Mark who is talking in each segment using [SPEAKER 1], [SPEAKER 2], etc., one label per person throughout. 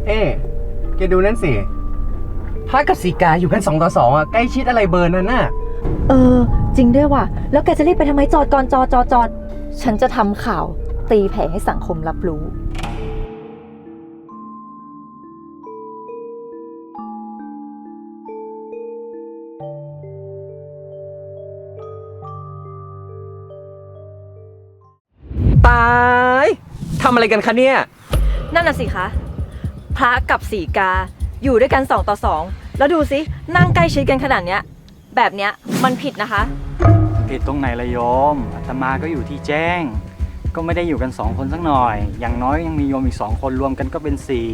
[SPEAKER 1] เอ๊แกดูนั่นสิพระกับสีกาอยู่กัน2 ต่อ 2อ่ะใกล้ชิดอะไรเบอร์นั้นน่ะ
[SPEAKER 2] จริงด้วยว่ะแล้วแกจะรีบไปทำไมจอดก่อนจอดฉันจะทำข่าวตีแผ่ให้สังคมรับรู้
[SPEAKER 1] ตายทำอะไรกันคะเนี่ย
[SPEAKER 2] นั่นน่ะสิคะพระกับสีกาอยู่ด้วยกัน2 ต่อ 2แล้วดูสินั่งใกล้ชิดกันขนาดเนี้ยแบบเนี้ยมันผิดนะคะ
[SPEAKER 3] ผิดตรงไหนละโยมอาตมาก็อยู่ที่แจ้งก็ไม่ได้อยู่กัน2 คนสักหน่อยอย่างน้อยยังมีโยมอีก2 คนรวมกันก็เป็น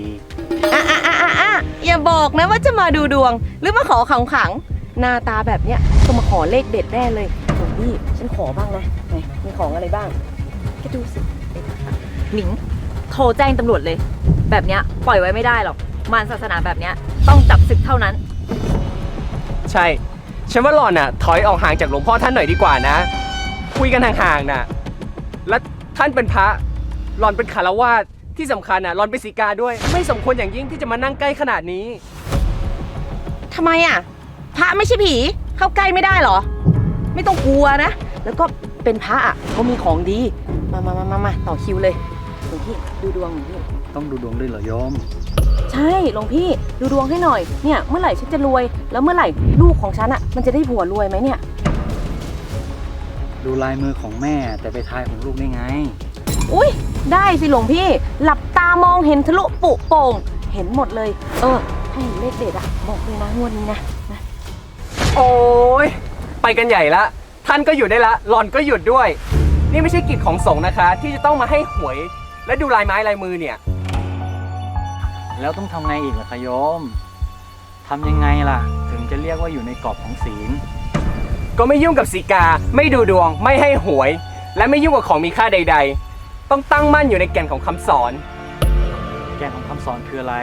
[SPEAKER 3] 4
[SPEAKER 4] อย่าบอกนะว่าจะมาดูดวงหรือมาขอขังขังหน้าตาแบบเนี้ยต้องมาขอเลขเด็ดแน่เลยโอ้นี่ฉันขอบ้างนะไหนมีของอะไรบ้างแกดูสิ
[SPEAKER 2] หนิงโทรแจ้งตำรวจเลยแบบเนี้ยปล่อยไว้ไม่ได้หรอกมารศาสนาแบบเนี้ยต้องจับศึกเท่านั้น
[SPEAKER 1] ใช่ฉันว่าหล่อนน่ะถอยออกห่างจากหลวงพ่อท่านหน่อยดีกว่านะคุยกันห่างๆน่ะและท่านเป็นพระหล่อนเป็นฆราวาสที่สำคัญน่ะหล่อนเป็นสีกาด้วยไม่สมควรอย่างยิ่งที่จะมานั่งใกล้ขนาดนี้
[SPEAKER 4] ทำไมอ่ะพระไม่ใช่ผีเข้าใกล้ไม่ได้หรอไม่ต้องกลัวนะแล้วก็เป็นพระอ่ะเขามีของดีมาต่อคิวเลยหลวงพี่ดูดวงหลวงพี่
[SPEAKER 3] ต้องดูดวงด้วยเหรอโยม
[SPEAKER 4] ใช่หลวงพี่ดูดวงให้หน่อยเนี่ยเมื่อไหร่ฉันจะรวยแล้วเมื่อไหร่ลูกของฉันอ่ะมันจะได้ผัวรวยไหมเนี่ย
[SPEAKER 3] ดูลายมือของแม่แต่ไปทายของลูกได้ไง
[SPEAKER 4] อุ้ยได้สิหลวงพี่หลับตามองเห็นทะลุปุโป่งเห็นหมดเลยให้เห็นเลขเด็ดอ่ะบอกเลยนะงวดนี้นะ
[SPEAKER 1] โอ้ยไปกันใหญ่ละท่านก็หยุดได้ละหล่อนก็หยุดด้วยนี่ไม่ใช่กิจของสงฆ์นะคะที่จะต้องมาให้หวยและดูลายไม้ลายมือเนี่ย
[SPEAKER 3] แล้วต้องทำไงอีกล่ะคะโยมทำยังไงล่ะถึงจะเรียกว่าอยู่ในกรอบของศีล
[SPEAKER 1] ก็ไม่ยุ่งกับสีกาไม่ดูดวงไม่ให้หวยและไม่ยุ่งกับของมีค่าใดๆต้องตั้งมั่นอยู่ในแก่นของคำสอน
[SPEAKER 3] แก่นของคำสอนคืออะไร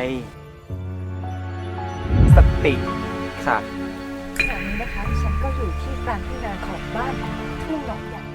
[SPEAKER 1] สติค่ะ
[SPEAKER 2] ขณะนี้นะคะฉันก็อยู่ที่กลางที่นาของบ้านทุ่งหนองใหญ่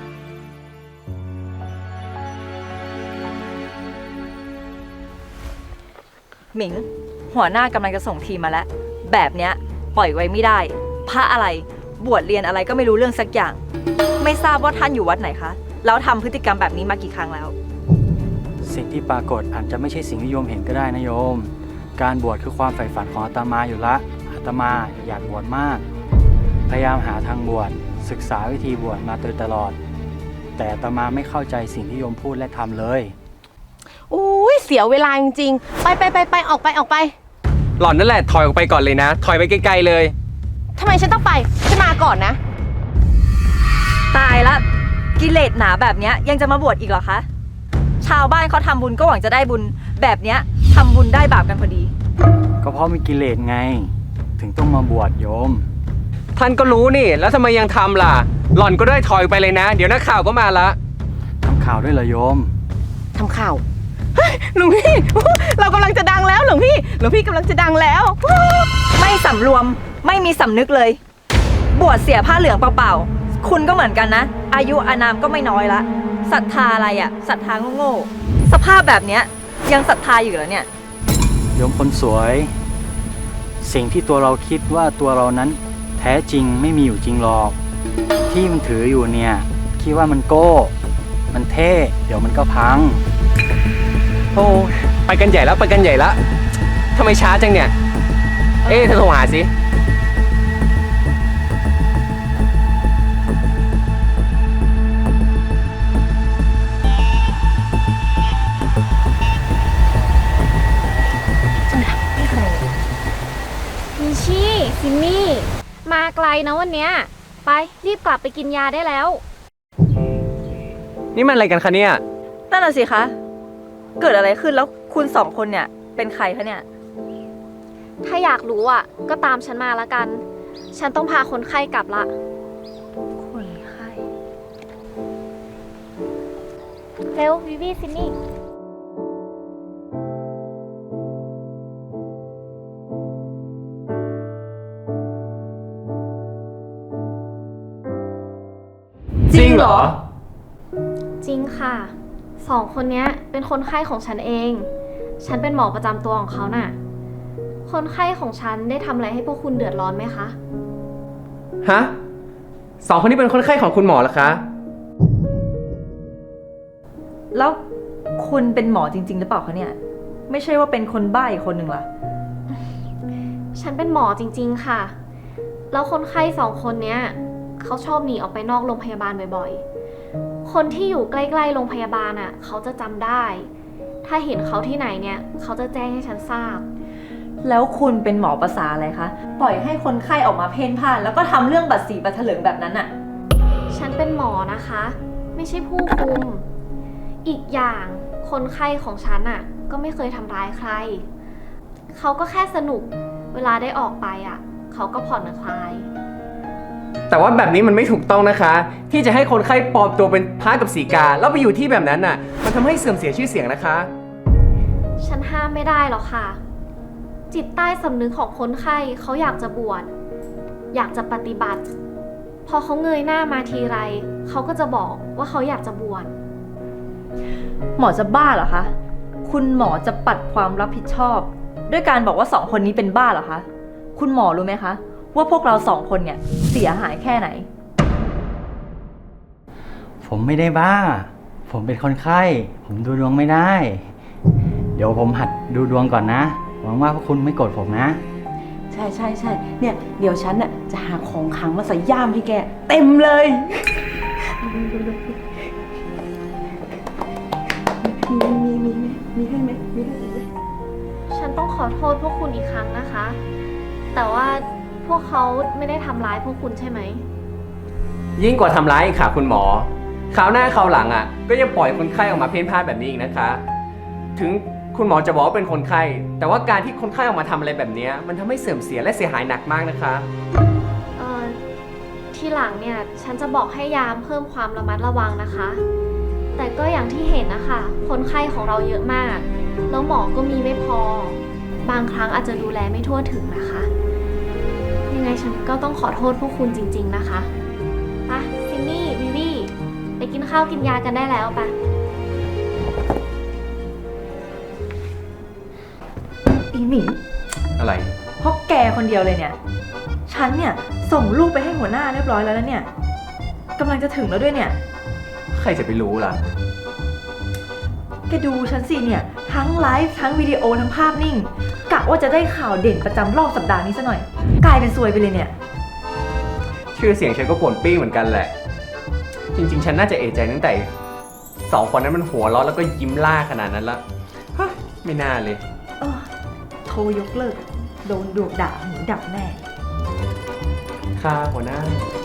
[SPEAKER 2] หมิงหัวหน้ากำลังจะส่งทีมมาแล้วแบบเนี้ยปล่อยไว้ไม่ได้พระอะไรบวชเรียนอะไรก็ไม่รู้เรื่องสักอย่างไม่ทราบว่าท่านอยู่วัดไหนคะแล้วทำพฤติกรรมแบบนี้มากี่ครั้งแล้ว
[SPEAKER 3] สิ่งที่ปรากฏอาจจะไม่ใช่สิ่งที่โยมเห็นก็ได้นะโยมการบวชคือความใฝ่ฝันของอาตมาอยู่ละอาตมาอยากบวชมากพยายามหาทางบวชศึกษาวิธีบวชมาโดยตลอดแต่อาตมาไม่เข้าใจสิ่งที่โยมพูดและทำเลย
[SPEAKER 4] อุ้ยเสียเวลาจริงๆไปออกไป
[SPEAKER 1] หล่อนนั่นแหละถอยออกไปก่อนเลยนะถอยไปไกลๆเลย
[SPEAKER 4] ทำไมฉันต้องไปฉันมาก่อนนะ
[SPEAKER 2] ตายละกิเลสหนาแบบเนี้ยยังจะมาบวชอีกเหรอคะชาวบ้านเขาทำบุญก็หวังจะได้บุญแบบเนี้ยทำบุญได้บาปกันพอดี
[SPEAKER 3] ก็เพราะมีกิเลสไงถึงต้องมาบวชโยม
[SPEAKER 1] ท่านก็รู้นี่แล้วทำไมยังทำล่ะหล่อนก็ได้ถอยไปเลยนะเดี๋ยวนักข่าวก็มาละ
[SPEAKER 3] ทำข่าวด้วยเหรอโยม
[SPEAKER 4] ทำข่าวหลวงพี่เรากำลังจะดังแล้วหลวงพี่กำลังจะดังแล้ว
[SPEAKER 2] ไม่สำรวมไม่มีสำนึกเลยบวชเสียผ้าเหลืองเปล่าๆคุณก็เหมือนกันนะอายุอานามก็ไม่น้อยละศรัทธาอะไรอ่ะศรัทธาโง่ๆสภาพแบบเนี้ยยังศรัทธาอยู่เหรอเนี่ย
[SPEAKER 3] โยมคนสวยสิ่งที่ตัวเราคิดว่าตัวเรานั้นแท้จริงไม่มีอยู่จริงหรอกที่มันถืออยู่เนี่ยคิดว่ามันโก้มันเท่เดี๋ยวมันก็พัง
[SPEAKER 1] โอ้ไปกันใหญ่แล้วทำไมช้าจังเนี่ยเธอโทรหาสิ
[SPEAKER 5] มิชี่ซิมมี่มาไกลนะวันเนี้ยไปรีบกลับไปกินยาได้แล้ว
[SPEAKER 1] นี่มันอะไรกันคะเนี่ย
[SPEAKER 2] นั่นน่ะสิคะเกิดอะไรขึ้นแล้วคุณสองคนเนี่ยเป็นใครคะเนี่ย
[SPEAKER 5] ถ้าอยากรู้อ่ะก็ตามฉันมาละกันฉันต้องพาคนไข้กลับละ
[SPEAKER 2] คนไข้
[SPEAKER 5] เร็ววิวีซินนี่
[SPEAKER 1] จริงเหรอ
[SPEAKER 5] จริงค่ะ2 คนนี้เป็นคนไข้ของฉันเองฉันเป็นหมอประจำตัวของเขาน่ะ คนไข้ของฉันได้ทำอะไรให้พวกคุณเดือดร้อนไหมคะ
[SPEAKER 1] ฮะสองคนนี้เป็นคนไข้ของคุณหมอเหรอคะ
[SPEAKER 2] แล้วคุณเป็นหมอจริงๆหรือเปล่าคะเนี่ย ไม่ใช่ว่าเป็นคนบ้าอีกคนหนึ่งล่ะ
[SPEAKER 5] ฉันเป็นหมอจริงๆค่ะ แล้วคนไข้2 คนเนี้ยเขาชอบหนีออกไปนอกโรงพยาบาลบ่อยๆ คนที่อยู่ใกล้ๆโรงพยาบาลอ่ะ เขาจะจำได้ ถ้าเห็นเขาที่ไหนเนี่ยเขาจะแจ้งให้ฉันทราบ
[SPEAKER 2] แล้วคุณเป็นหมอภาษาอะไรคะ ปล่อยให้คนไข้ออกมาเพ่นพ่านแล้วก็ทำเรื่องบัตรสีบัตรเถลิงแบบนั้นอะ
[SPEAKER 5] ฉันเป็นหมอนะคะ ไม่ใช่ผู้คุม อีกอย่างคนไข้ของฉันอ่ะก็ไม่เคยทำร้ายใคร เขาก็แค่สนุก เวลาได้ออกไปอ่ะเขาก็ผ่อนคลาย
[SPEAKER 1] แต่ว่าแบบนี้มันไม่ถูกต้องนะคะ ที่จะให้คนไข้ปลอมตัวเป็นพระกับสีกาแล้วไปอยู่ที่แบบนั้นน่ะ มันทำให้เสื่อมเสียชื่อเสียงนะคะ
[SPEAKER 5] ฉันห้ามไม่ได้หรอกค่ะ จิตใต้สำนึกของคนไข้เขาอยากจะบวช อยากจะปฏิบัติ พอเขาเงยหน้ามาทีไรเขาก็จะบอกว่าเขาอยากจะบวช
[SPEAKER 2] หมอจะบ้าเหรอคะ คุณหมอจะปัดความรับผิดชอบ ด้วยการบอกว่า2 คนนี้เป็นบ้าเหรอคะ คุณหมอรู้ไหมคะ ว่าพวกเรา2 คนเนี่ยเสียหายแค่ไหน
[SPEAKER 3] ผมไม่ได้บ้า ผมเป็นคนไข้ ผมดูดวงไม่ได้ เดี๋ยวผมหัดดูดวงก่อนนะ หวังว่าพวกคุณไม่โกรธผมนะ
[SPEAKER 4] ใช่ใช่ใช่เนี่ย เดี๋ยวฉันน่ะจะหาของขลังมาใส่ย่ามให้แก เต็มเลย มีให้ไหมมีให้ไหม
[SPEAKER 5] ฉันต้องขอโทษพวกคุณอีกครั้งนะคะ แต่ว่าพวกเขาไม่ได้ทำร้ายพวกคุณใช่ไหม
[SPEAKER 1] ยิ่งกว่าทำร้ายอีกค่ะคุณหมอ คราวหน้าคราวหลังอ่ะ ก็อย่าปล่อยคนไข้ออกมาเพ่นพ่านแบบนี้อีกนะคะ ถึงคุณหมอจะบอกว่าเป็นคนไข้ แต่ว่าการที่คนไข้ออกมาทำอะไรแบบนี้มันทำให้เสื่อมเสียและเสียหายหนักมากนะคะ
[SPEAKER 5] ทีหลังเนี่ยฉันจะบอกให้ยามเพิ่มความระมัดระวังนะคะ แต่ก็อย่างที่เห็นนะคะคนไข้ของเราเยอะมาก แล้วหมอก็มีไม่พอ บางครั้งอาจจะดูแลไม่ทั่วถึงนะคะ ยังไงฉันก็ต้องขอโทษพวกคุณจริงๆนะคะไปซินนี่วิวีไปกินข้าวกินยากันได้แล้วไป
[SPEAKER 2] อีหมี
[SPEAKER 1] อะไร
[SPEAKER 2] เพราะแกคนเดียวเลยเนี่ย ฉันเนี่ยส่งลูกไปให้หัวหน้าเรียบร้อยแล้วนะเนี่ยกำลังจะถึงแล้วด้วยเนี่ย
[SPEAKER 1] ใครจะไปรู้ล่ะ
[SPEAKER 2] แกดูฉันสิเนี่ย ทั้งไลฟ์ทั้งวิดีโอทั้งภาพนิ่ง กะว่าจะได้ข่าวเด่นประจำรอบสัปดาห์นี้ซะหน่อย กลายเป็นซวยไปเลยเนี่ย
[SPEAKER 1] ชื่อเสียงฉันก็ป่วนปี้เหมือนกันแหละ จริงๆ ฉันน่าจะเอะใจตั้งแต่2 คนนั้นมันหัวเราะแล้วก็ยิ้มล่าขนาดนั้นละฮะไม่น่าเลย
[SPEAKER 2] โทรยกเลิก โดนดวกด่าหูดับแน่
[SPEAKER 1] ค่ะหัวหน้า